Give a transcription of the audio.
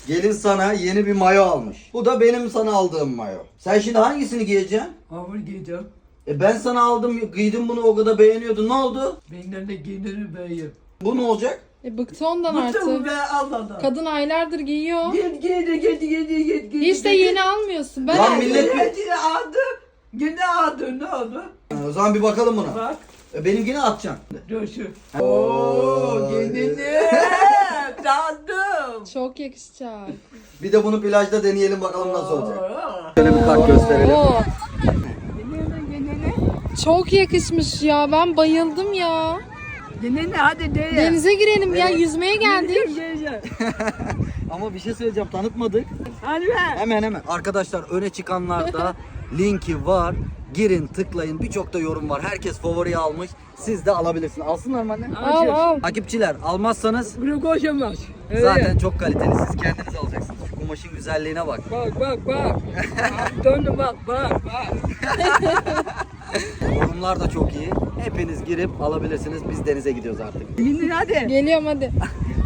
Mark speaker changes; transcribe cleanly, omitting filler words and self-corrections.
Speaker 1: Gelin sana yeni bir mayo almış. Bu da benim sana aldığım mayo. Sen şimdi hangisini giyeceksin?
Speaker 2: Hamur giyeceğim.
Speaker 1: Ben sana aldım, giydim bunu, o kadar beğeniyordun. Ne oldu?
Speaker 2: Benden de giyinirim beyim.
Speaker 1: Bu ne olacak?
Speaker 3: Bıktı ondan
Speaker 2: Bıktım
Speaker 3: artık.
Speaker 2: be Allah'tan.
Speaker 3: Kadın aylardır giyiyor.
Speaker 2: Git.
Speaker 3: Hiç de yeni almıyorsun. Ben
Speaker 1: Lan
Speaker 3: aldım.
Speaker 1: millet-
Speaker 2: Yine aldı. Yine aldı. Ne oldu?
Speaker 1: O zaman bir bakalım buna.
Speaker 2: Bak.
Speaker 1: Benimkini atacaksın.
Speaker 2: Dur şu. Ooo giyinirim. Tanıdım.
Speaker 3: Çok yakışacak.
Speaker 1: Bir de bunu plajda deneyelim bakalım nasıl olacak.
Speaker 2: Oo.
Speaker 1: Şöyle bir kalk gösterelim.
Speaker 3: Oo,
Speaker 2: Giyinirim.
Speaker 3: çok yakışmış ya. Ben bayıldım ya.
Speaker 2: Giyinirim hadi de.
Speaker 3: Denize girelim ya. Yüzmeye geldik.
Speaker 1: Ama bir şey söyleyeceğim, tanıtmadık.
Speaker 2: Hadi be.
Speaker 1: Hemen. Arkadaşlar öne çıkanlarda linki var. Girin, tıklayın. Birçok da yorum var. Herkes favoriyi almış. Siz de alabilirsiniz. Alsınlar mı anne?
Speaker 3: Al al.
Speaker 1: Takipçiler almazsanız
Speaker 2: Bunu koşamaz.
Speaker 1: zaten çok kaliteli. Siz kendiniz alacaksınız. Şu kumaşın güzelliğine bak.
Speaker 2: Bak. Döndü bak.
Speaker 1: Yorumlar da çok iyi. Hepiniz girip alabilirsiniz. Biz denize gidiyoruz artık.
Speaker 2: Giyinin hadi.
Speaker 3: Geliyorum hadi.